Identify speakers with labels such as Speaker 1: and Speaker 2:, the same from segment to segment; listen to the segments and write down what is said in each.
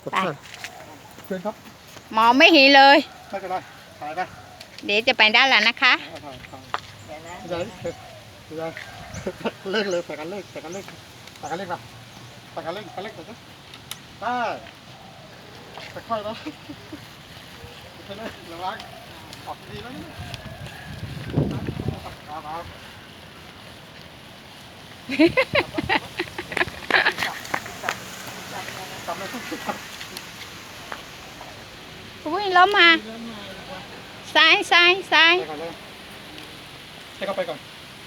Speaker 1: ไปเชิญครับ
Speaker 2: มองไม่เห็นเลย
Speaker 1: ไม่เป็นไรถ่ายไป
Speaker 2: เดี๋ยวจะไปด้านหลังนะคะ
Speaker 1: เดี๋ยวเล่นเลยใส่กันเล่นใส่กันเล่นใส่กันเล่นมาใส่กันเล่นใส่เล่นใส่กันได้ค่อยๆนะค่อยๆระวังออกดีแล้วนี่
Speaker 2: อุ้ยล้มมาซ้ายซ้ายซ้าย
Speaker 1: ให้เขาไปก่อน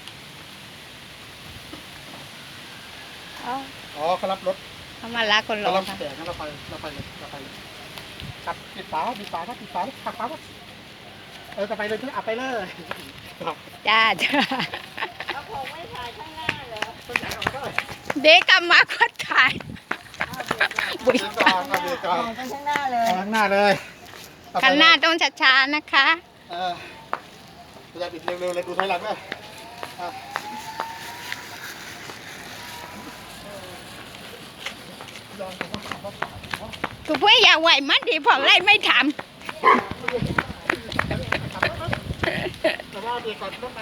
Speaker 1: อ๋อเขารับรถ
Speaker 2: เขามาลากคนลงค่ะ
Speaker 1: แต่งั้นเราไปเลยขับปิดฝาครับปิดฝาขับฝาครับจะไปเลยไปเลย
Speaker 2: จ้าเขาคงไม่ถ่ายข้างหน้าเหรอเด็กกลับมาก็ถ่าย
Speaker 1: บุยกองข้างหน้าเลยข้างหน้าเลย
Speaker 2: ข้างหน้าต้องช้าๆนะคะ
Speaker 1: อย่าปิดเร็วๆเลยดูถอยหลังด้วย
Speaker 2: กูเพื่ออย่าไหวมันดีพอไล่ไม่ทำ
Speaker 1: แต่ว่าเดี๋ยวก่อนรถมา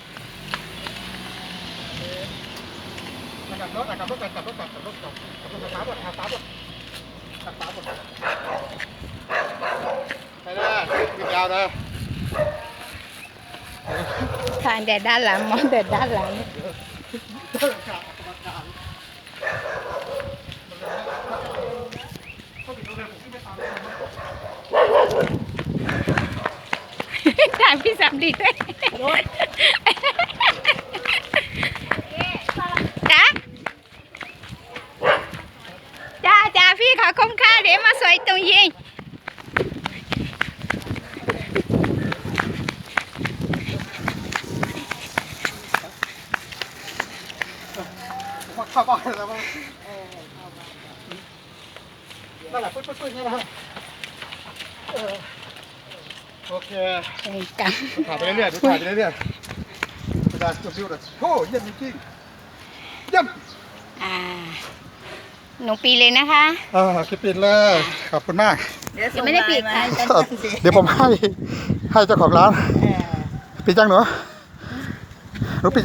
Speaker 1: ขับรถขับรถขับรถขับรถขับรถขับรถขับรถขับรถขับรถไปเลยวิ่งยาวเลย
Speaker 2: ทางแต่ด้านหลังมองแต่ด้านหลังถ่ายพี่สามดีด้วยจ้าพี่ขอคุ้มค่าเดี๋ยวมาสวยตรงยิง
Speaker 1: เข้าบ้านแล้วมั้งนั่นแหละปึ๊ดนี่นะโอเคถ่ายไปเรื่อยๆถ่ายไปเรื่อยๆไม่ได้จิ้วเลยโอ้เยี่ยมจริงเยี่ยม
Speaker 2: หนูปีเลยนะคะ
Speaker 1: คิดปิดเลยขอบคุณมาก
Speaker 2: ยังไม่ได้ปิด
Speaker 1: เดี๋ยวผมให้เจ้าของร้านปิดจังหนู